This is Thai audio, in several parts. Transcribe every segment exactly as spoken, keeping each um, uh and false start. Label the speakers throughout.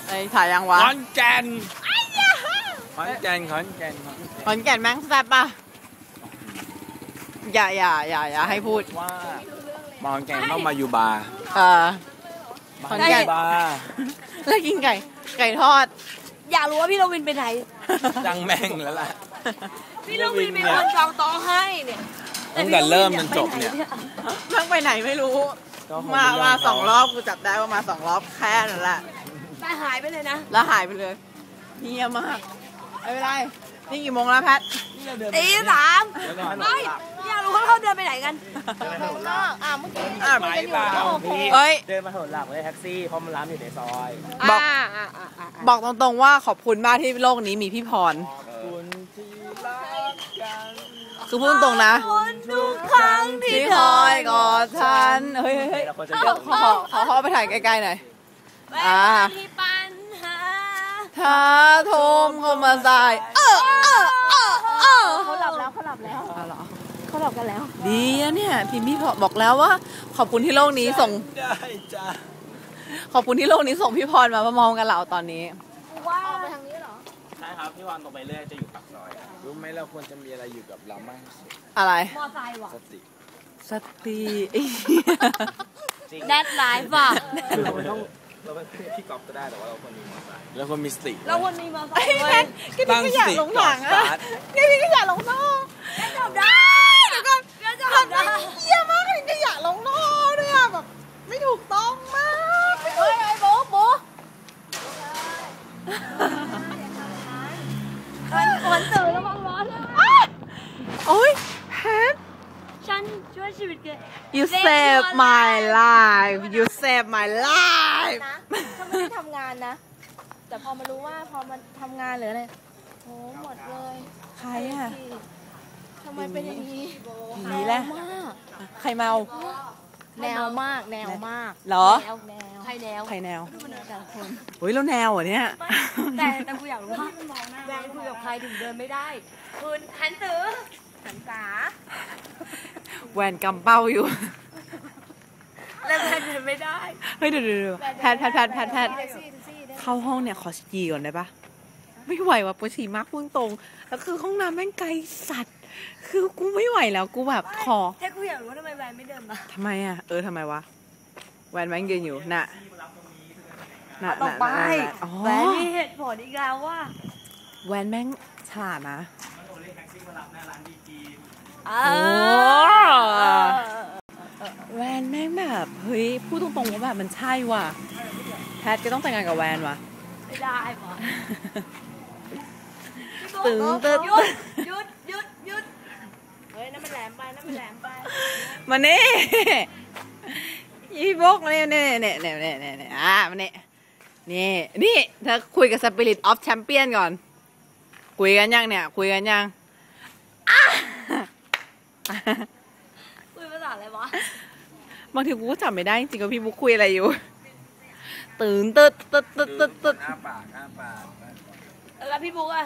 Speaker 1: ไอ้ถ่ายยังวะ
Speaker 2: ขอนแก่นขอนแก่นขอนแก่น
Speaker 1: ขอนแก่นแม่งแซ่บป่ะอย่าอย่าอย่าอย่าให้พูด
Speaker 2: ว่าขอนแก่นต้องมาอยู่บาร์
Speaker 1: เออขอนแก่น
Speaker 2: บาร์
Speaker 1: แล้วกินไก่ไก่ทอด
Speaker 3: อยากรู้ว่าพี่โรวินไปไหน
Speaker 2: จังแม่งแล้วล่ะ
Speaker 3: พี่โรวินเป็นคนจองโต๊ะให้เนี่ย
Speaker 2: ตั้งแต่เริ่มจนจบเนี่ย
Speaker 1: นั่งไปไหนไม่รู้มามาสองรอบกูจับได้ว่ามาสองรอบแค่นั้นแหละ
Speaker 3: แต่หายไปเลยนะ
Speaker 1: แล้วหายไปเลยเฮียมากไม่เป็นไรนี่กี่โมงแล้วแพท
Speaker 3: ตีสามไม่อยากรู้ว่าเขาเดินไปไหนกัน
Speaker 1: อ่าเมื่อกี้
Speaker 2: อ่าไม่เปล่า
Speaker 1: เฮ้ย
Speaker 4: เดินมาถนนหลักเลยแท็กซี่เพราะมันร้านอยู่ในซอย
Speaker 1: บอกบอกตรงๆว่าขอบคุณมากที่โลกนี้มีพี่พรคือพูดตรงๆนะ
Speaker 3: ทุกครั้งที่
Speaker 1: คอยกอดฉันเฮ้ยเฮ้ยขอขอขอไปถ่ายใกล้ๆหน่อยอ่าถ้าโทมเข้ามาใส่เออเออเออเออ
Speaker 3: เขาหลับแล้วเขาหลับแล้วเขาหลับกันแล้ว
Speaker 1: ดีนะเนี่ยพี่พี่บอกแล้วว่าขอบคุณที่โลกนี้ส่งขอบคุณที่โลกนี้ส่งพี่พรมามองกันเราตอนนี้
Speaker 3: ว่าไปทางนี้เหรอ
Speaker 4: ใช่ครับพี่พรตรงไปเรื่อยจะอยู่ปากซอย
Speaker 2: รู้ไหมเราควรจะมีอะไรอยู่กับเรามากสุด
Speaker 1: อะไร
Speaker 3: มอไซค์ว่ะ
Speaker 2: สติ
Speaker 1: สติ
Speaker 3: แดดไลฟ์ว่ะ
Speaker 4: เราไม่ต้องเราเป็นพี่กอล์ฟก็ได้แต่ว่าเราควรมีมอไซค์
Speaker 2: เราควรมีสติ
Speaker 3: เราควรมีมอไซค์ด้วย
Speaker 1: ตั้งสติก่อนสตาร์ทพี่พี่ก็อยากลงท่อ
Speaker 3: จบได้
Speaker 1: เดี๋ยวก่อน
Speaker 3: จบได้
Speaker 1: เยี่ยมากเลยก็อยากลงท่อด้วยอ่ะแบบไม่ถูกต้องมาก
Speaker 3: เฮ้ยไอ้โบ๊ะโบ๊ะคนตื่นแล้วมองร้อน
Speaker 1: โอ๊ยแพท
Speaker 3: ฉันช่วยชีวิตแก
Speaker 1: You save my life You save my life
Speaker 3: นะถ้าไม่ได้ทำงานนะแต่พอมารู้ว่าพอมันทำงานหรืออะไรโหหมดเลย
Speaker 1: ใครอ่ะ
Speaker 3: ทำไมเป็นอย่างนี้
Speaker 1: ผีแหละใครเมา
Speaker 3: แนวมากแนวมาก
Speaker 1: เหรอ
Speaker 3: แนวใครแนว
Speaker 1: ใครแนว
Speaker 3: แต่ละคน
Speaker 1: เฮ้ยแล้วแนวเหรอเนี่ย
Speaker 3: แต่แต่กูอยากรู้ว่าแวงคุยกับใครถึงเดินไม่ได้คุณหันตือหันษา
Speaker 1: แหวนกำเป้าอยู่
Speaker 3: แล้วแพทเดินไม่ได้
Speaker 1: เฮ้ยเดี๋ยวเดี๋ยวแพทแพทแพทแพทแพทเข้าห้องเนี่ยขอฉี่ก่อนได้ปะไม่ไหวว่ะปวดฉี่มากพุ่งตรงแล้วคือห้องน้ำแม่งไกลสัตว์คือกูไม่ไหวแล้วกูแบบขอ
Speaker 3: แค่กูอยากรู้ว่าทำไมแวนไม่เดินมา
Speaker 1: ทำไมอ่ะเออทำไมวะแวนแม่งยืนอยู่น่ะ
Speaker 3: น่ะต่อไปแวนมีเหตุผลอีกแล้วว่า
Speaker 1: แวนแม่งฉลาดนะ
Speaker 3: โอ้
Speaker 1: แวนแม่งแบบเฮ้ยพูดตรงๆว่าแบบมันใช่ว่ะแพทก็ต้องแต่งงานกับแวนว่ะ
Speaker 3: ไม่ได้ป่ะ
Speaker 1: ตึงตึง
Speaker 3: หยุดหยุดหยุดหยุดเฮ้ยนั่นมันแหลมไปนั่นมันแหลมไป
Speaker 1: มาเน่อีบกเนี่ยเนี่ยเนี่ยเนี่ยเนี่ยเนี่ยอ่ะมาเน่นี่นี่เธอคุยกับ Spirit of Champion ก่อนคุยกันยังเนี่ยคุยกันยัง
Speaker 3: คุยภาษาอะไรวะ
Speaker 1: บางทีกูก็จำไม่ได้จริงๆว่าพี่บุ๊กคุยอะไรอยู่ตื่นตึ๊ดตึ๊ดตึ๊ดตึ๊ดตึ๊ด
Speaker 2: อ้าปากอ้าปาก
Speaker 3: แล้วพี่บุ๊กอะ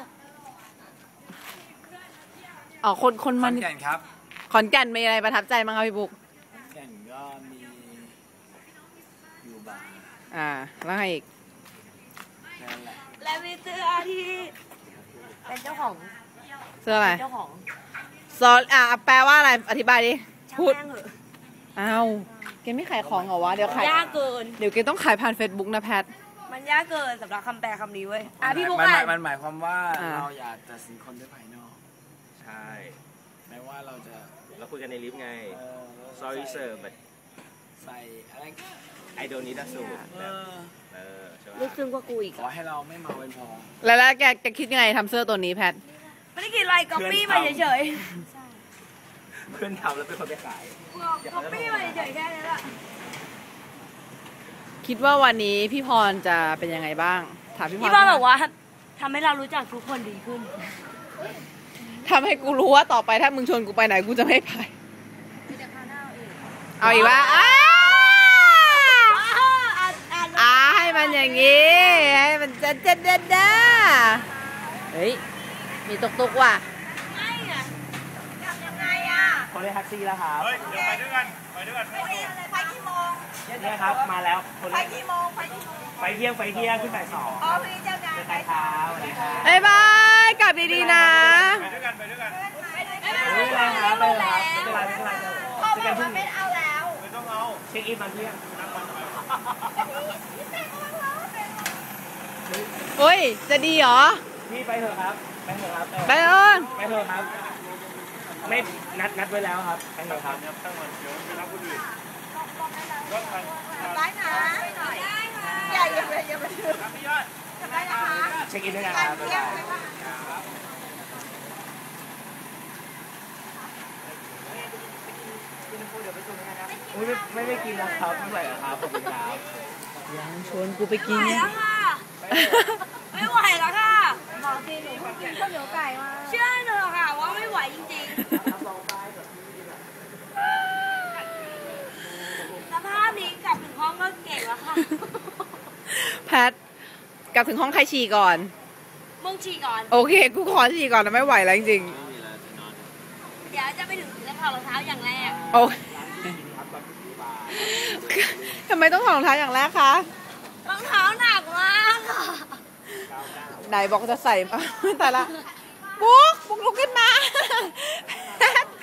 Speaker 1: อ๋อคนคนมัน
Speaker 2: ขอนแก่นครับ
Speaker 1: ขอนแก่นมีอะไรประทับใจมั้งครับพี่บุ๊ก
Speaker 2: ขอนแก่นก็มีอยู่บาร์
Speaker 1: อ่าแล้วไงอีก
Speaker 3: และมีเสื้อที่เป็นเจ้าของ
Speaker 1: เสื้ออะไร
Speaker 3: เจ้าของ
Speaker 1: ซออ่ะแปลว่าอะไรอธิบายดิพูดอ้าวแกไม่ขายของเหรอวะเดี๋ยวขาย
Speaker 3: ยากเกิน
Speaker 1: เดี๋ยวแกต้องขายผ่าน Facebook นะแพท
Speaker 3: มันยากเกินสำหรับคำแปลคำนี้เว้ยอ่ะพี่บุ๊ก
Speaker 2: อ่ะมันหมายความว่าเราอยากตัดสินคนด้วยภายนอก
Speaker 4: ใช่
Speaker 2: แม้ว่าเราจะ
Speaker 4: เราคุยกันในลิฟต์ไง sorry sir but
Speaker 2: ใส่อะไรก็
Speaker 4: I don't need a suit เออ
Speaker 3: ลึกซึ้งกว่ากูอีก
Speaker 2: ขอให้เราไม่เมาเป็นพอ
Speaker 1: แล้วแล้วแกแกคิดยังไงทำเสื้อตัวนี้แพท
Speaker 3: ไม่ได้กินอะไรก๊อปปี้มาเฉย
Speaker 4: ๆเพื่อนทำแล้วเป็นคนไปขาย
Speaker 3: ก๊อปปี้มาเฉยๆแค่นี้แหละ
Speaker 1: คิดว่าวันนี้พี่พรจะเป็นยังไงบ้างถามพี่พร
Speaker 3: พี่พรบอกว่าทำให้เรารู้จักทุกคนดีขึ้น
Speaker 1: ทำให้กูรู้ว่าต่อไปถ้ามึงชวนกูไปไหนกูจะไม่ไปเอาอีกว่าอ่าให้มันอย่างงี้ให้มันเจ๊ดเจ๊ดเจ๊ดเด้อเฮ้ยมีตุกตุกว่ะ
Speaker 3: ไม่อะกลับยังไงอะ
Speaker 4: คนเรียกแท็กซี่แล้วครับ
Speaker 2: เฮ้ยเดี๋ยวไปด้วยกันไปด้วยกัน
Speaker 3: ไปกี่โมง
Speaker 4: เนี่ยครับมาแล้ว
Speaker 3: ไปกี่โมงไปกี่โมง
Speaker 2: ไปไฟเที่ยงไฟเที่ยงขึ้นบ่ายสอง
Speaker 3: อ๋อพรุ่งนี้เจอกัน
Speaker 2: เจอกันครับสวัสดีครับ
Speaker 1: บ๊ายบายกลับดีๆนะ
Speaker 2: ไปด้วยกันไปด้วยกันไม่เป็นไรครับไม่เป็นไรไม่เป็นไรไม่เป็นไรเจอกันพรุ่งนี้
Speaker 3: เอาแล้ว
Speaker 2: ไม่ต้องเอาเช็คอินตอนเที่ยงนัดวัน
Speaker 1: เฮ้ย จะดีเหรอ
Speaker 2: พี่ไปเถอะครับไปเถอะครับ
Speaker 1: ไปเอิญ
Speaker 2: ไปเถอะครับไม่นัดนัดไว้แล้วครับไปเถอะครับตั้งวันเดี๋ยวไปรับคนอื่นก็ทัน
Speaker 3: ได้นะอย่าอย่าไปอย่าไปถือทำได้นะคะ
Speaker 2: เช็คอินด้วยกันครับบ๊ายบายไม่ไม่ไม่กินนะครับไม่ไหวครับขอบคุณครับ
Speaker 1: ยังชวนกูไปกิน
Speaker 3: ไหว
Speaker 1: เนี่ย
Speaker 3: แล้วค่ะ ไม่ไหวแล้วค่ะบอกจริงหนูเพิ่งกินข้าวเหนียวไก่มาเชื่อหนูค่ะว่าไม่ไหวจริงๆสภาพนี้กลับถึงห้องก็เก่งแล้วค่ะ
Speaker 1: แพท กลับถึงห้องใครฉี่ก่อน
Speaker 3: มึงฉี่ก่อน
Speaker 1: โอเค กูขอฉี่ก่อนนะไม่ไหวแล้วจริง
Speaker 3: เดี๋ยวจะไปถึงจะถอดรองเท้าอย่างแรก
Speaker 1: ๆโอ้ยทำไมต้องถอดรองเท้าอย่างแรกคะ
Speaker 3: รองเท้าหนักมากค่ะ
Speaker 1: ไหนบอกจะใส่มาแต่ละบุ๊กบุ๊กลุกขึ้นมาแพท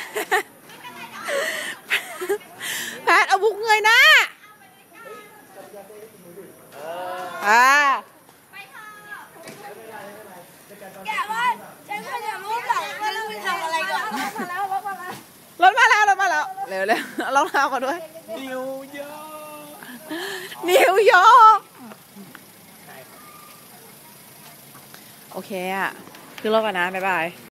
Speaker 1: แพทเอาบุ๊กเงยหน้าอ่า
Speaker 3: แกว่าฉันควรจะรู้ก่อนว่าเราไปทำอะไรก่อนมาแล้วรถมาแล้ว
Speaker 1: รถมาแล้วรถมาแล้วเร็วเร็วรองเท้าก่อนด้วย
Speaker 2: นิวยอร์ก
Speaker 1: นิวยอร์กโอเคอ่ะคือรถก่อนนะบ๊ายบาย